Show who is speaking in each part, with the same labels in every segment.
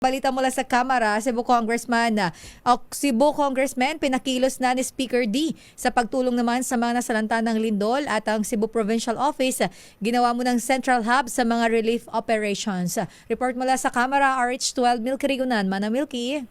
Speaker 1: Balita mula sa Kamara, Cebu Congressman pinakilos na ni Speaker D sa pagtulong naman sa mga nasalanta ng lindol at ang Cebu Provincial Office ginawa mo ng Central Hub sa mga relief operations. Report mula sa Kamara, RH12 Milky Rigunan. Mana Milky.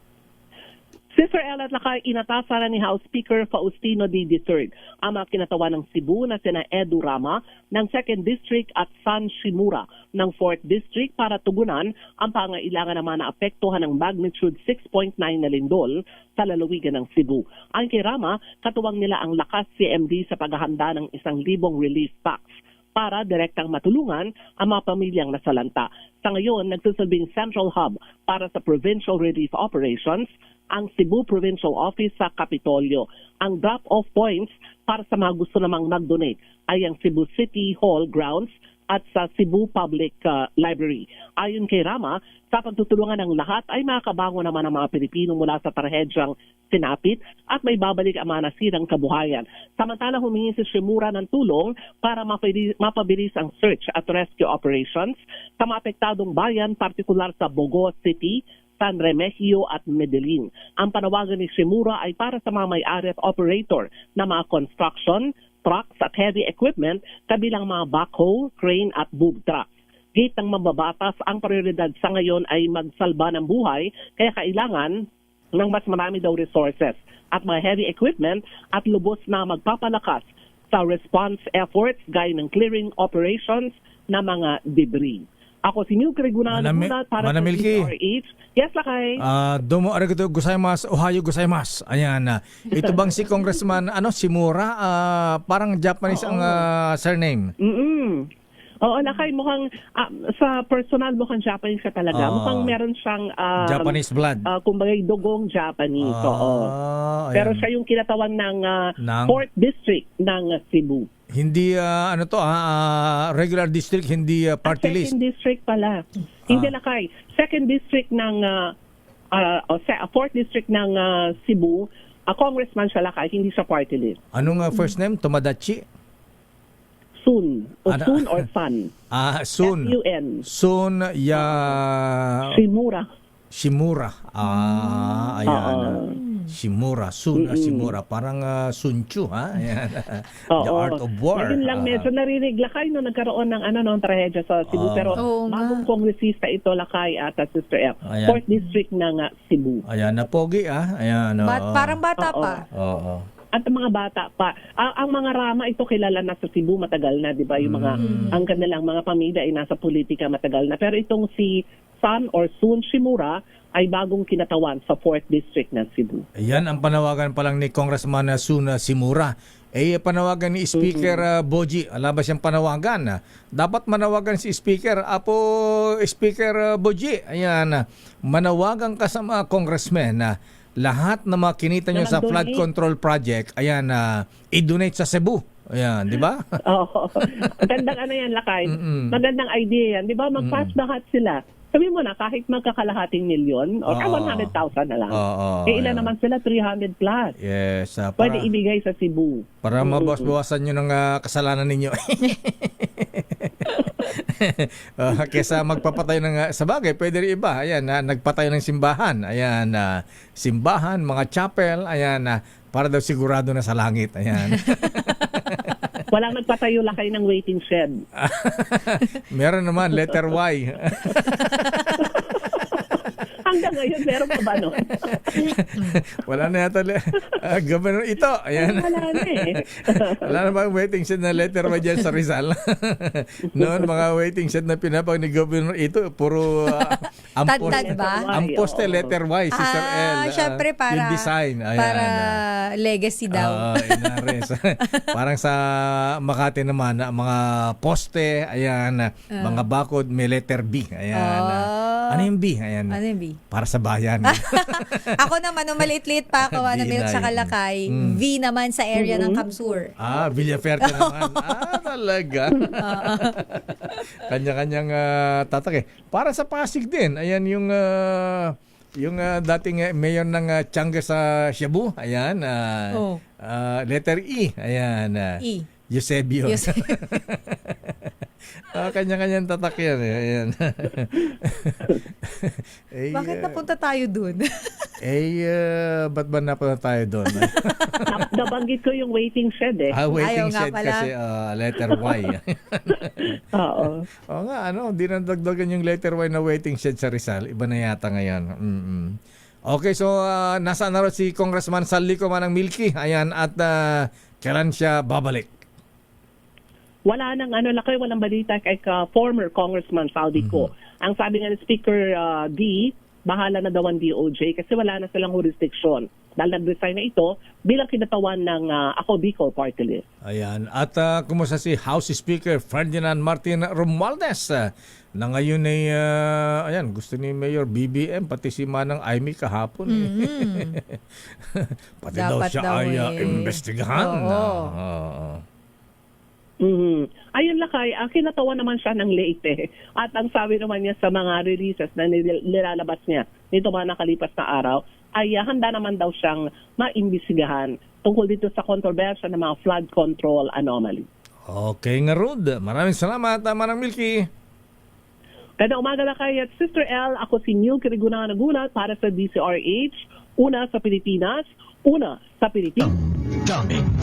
Speaker 2: Sister Ella at Lakay, inatasan ni House Speaker Faustino D. III ang mga kinatawan ng Cebu na sina Edu Rama ng 2nd District at San Shimura ng 4th District para tugunan ang pangailangan naman na apektuhan ng magnitude 6.9 na lindol sa lalawigan ng Cebu. Ang kay Rama, katuwang nila ang lakas CMD sa paghahanda ng 1,000 relief packs para direktang matulungan ang mga pamilyang nasalanta. Sa ngayon, nagsisilbing Central Hub para sa Provincial Relief Operations ang Cebu Provincial Office sa Kapitolyo. Ang drop-off points para sa mga gusto namang mag-donate ay ang Cebu City Hall grounds at sa Cebu Public Library. Ayon kay Rama, sa pagtutulungan ng lahat ay makakabango naman ang mga Pilipino mula sa trahedyang sinapit at may babalik ang mga nasirang kabuhayan. Samantala, humingi si Shimura ng tulong para mapabilis ang search at rescue operations sa mga apektadong bayan, partikular sa Bogo City, San Remigio at Medellin. Ang panawagan ni Shimura ay para sa mga may-ari at operator na mga construction, trucks at heavy equipment kabilang mga backhoe, crane at boob trucks. Gate ng mababatas, ang prioridad sa ngayon ay magsalba ng buhay kaya kailangan ng mas marami daw resources at mga heavy equipment at lubos na magpapalakas sa response efforts gaya ng clearing operations na mga debris. Ako si Milky Rigunan para sa DRH. Yes, Lakay.
Speaker 3: Domo arigato gozaimasu, ohayo gozaimasu. Ayan. Ito bang si Congressman Shimura? Parang Japanese ang surname.
Speaker 2: Oo, Lakay, mukhang sa personal mukhang Japanese ka talaga. Mukhang meron siyang
Speaker 3: Japanese blood.
Speaker 2: Kumbaga dugong Japanese. Pero siya yung kinatawan ng 4th District ng Cebu.
Speaker 3: Hindi regular district, hindi party list.
Speaker 2: 2nd District pala. Hindi, Lakay. 2nd District ng 4th District ng Cebu, congressman siya, Lakay, hindi siya party list.
Speaker 3: Anong first name? Tomodachi?
Speaker 2: Sun. O Sun or Sun.
Speaker 3: Sun.
Speaker 2: S-U-N.
Speaker 3: Sun Shimura. Ayan. Shimura, Shimura, parang Sun Tzu, ha? Ayan. The Art of War.
Speaker 2: Ngayon lang medyo narinig, Lakay, no, nagkaroon ng trahedya sa Cebu. Pero bagong kongresista ito, Lakay, at Sister F. 4th District ng Cebu.
Speaker 3: Ayan, napogi, Ayan.
Speaker 1: Parang bata pa.
Speaker 2: Oo. At ang mga bata pa. Ang mga Rama, ito kilala na sa Cebu matagal na, di ba? Yung mga, ang kanilang mga pamilya ay nasa politika matagal na. Pero itong si Sun or Sun Shimura ay bagong kinatawan sa 4th District ng Cebu.
Speaker 3: Ayan, ang panawagan pa lang ni Congressman Sun Shimura. Panawagan ni Speaker Boji. Alabas siyang panawagan. Dapat manawagan si Speaker Speaker Boji. Ayan, manawagan ka sa mga congressmen na lahat na makinita nyo sa flood control project, ayan, i-donate sa Cebu. Ayan, di ba?
Speaker 2: Oo. Magandang yan, Lakay. Magandang idea yan. Di ba? Mag-pass lahat sila. Sabi mo na, kahit magkakalahating milyon, o 100,000 na lang. Ilan naman sila? 300 plus.
Speaker 3: Yes.
Speaker 2: Pwede ibigay sa Cebu.
Speaker 3: Para mabawas-bawasan nyo ng kasalanan ninyo. Kesa magpapatay ng sa bagay, pwede rin iba. Ayan, nagpatay ng simbahan. Ayan, simbahan, mga chapel. Ayan, para daw sigurado na sa langit. Ayan.
Speaker 2: Walang nagpatayo, Lakay, ng waiting shed.
Speaker 3: Meron naman, letter Y.
Speaker 2: Hanggang ngayon, meron pa ba nun?
Speaker 3: Wala na yata. Governor ito. Ayan.
Speaker 2: Wala na
Speaker 3: Wala na bang waiting shed na letter Y dyan sa Rizal? Noon, mga waiting shed na pinapag ni Governor ito, puro ang poste letter Y, Sister L.
Speaker 1: Syempre para,
Speaker 3: yung design. Ayan,
Speaker 1: para legacy daw.
Speaker 3: Parang sa Makati naman, mga poste, ayan, mga bakod, may letter B. Ayan. Ano yung B? Ayan.
Speaker 1: Ano yung B?
Speaker 3: Para sa bayan.
Speaker 1: Ako naman, nung maliit-liit pa ako, Milk sa Kalakay, V naman sa area ng Kamsur.
Speaker 3: Villaferte naman. Talaga. Kanya-kanyang tatak. Para sa Pasig din. Ayan yung dating mayor ng Tianga sa Cebu. Ayan. Letter E. Ayan.
Speaker 1: E.
Speaker 3: Eusebio. Kanya-kanyang tatak yan. Eh. Ayan.
Speaker 1: Bakit napunta tayo dun?
Speaker 3: Ba't ba napunta tayo doon?
Speaker 2: Nabanggit ko yung waiting shed eh.
Speaker 3: Waiting
Speaker 1: Ayaw nga
Speaker 3: shed
Speaker 1: pala.
Speaker 3: kasi letter Y.
Speaker 2: Oo.
Speaker 3: Oo nga, di nadagdagan yung letter Y na waiting shed sa Rizal. Iba na yata ngayon. Okay, so nasaan na rin si Congressman Sallico Manang Milky? Ayan, at kailan siya babalik?
Speaker 2: Wala nang walang balita kay former Congressman Saldico. Ang sabi nga ni Speaker D, bahala na daw ang DOJ kasi wala na silang jurisdiction. Dahil nag-resign na ito bilang kinatawan ng Ako Bicol Party List.
Speaker 3: Ayan, at kumusta si House Speaker Ferdinand Martin Romualdez na ngayon ay, gusto ni Mayor BBM, pati si Manang Aimee kahapon. Pati daw
Speaker 1: Dapat
Speaker 3: siya
Speaker 1: daw
Speaker 3: ay imbestigahan.
Speaker 1: Oo.
Speaker 2: Ayun Lakay, kinatawan naman siya ng Leyte. At ang sabi naman niya sa mga releases na nilalabas niya nito mga nakalipas na araw, ay handa naman daw siyang maimbisigahan tungkol dito sa kontrobersya ng mga flood control anomaly.
Speaker 3: Okay nga Rod, maraming salamat Manang Milky.
Speaker 2: Kada umaga Lakay at Sister L, ako si Neil Kirigunaga nagulat para sa DCRH, una sa Pilipinas, una sa Pilipinas.
Speaker 4: Dummy.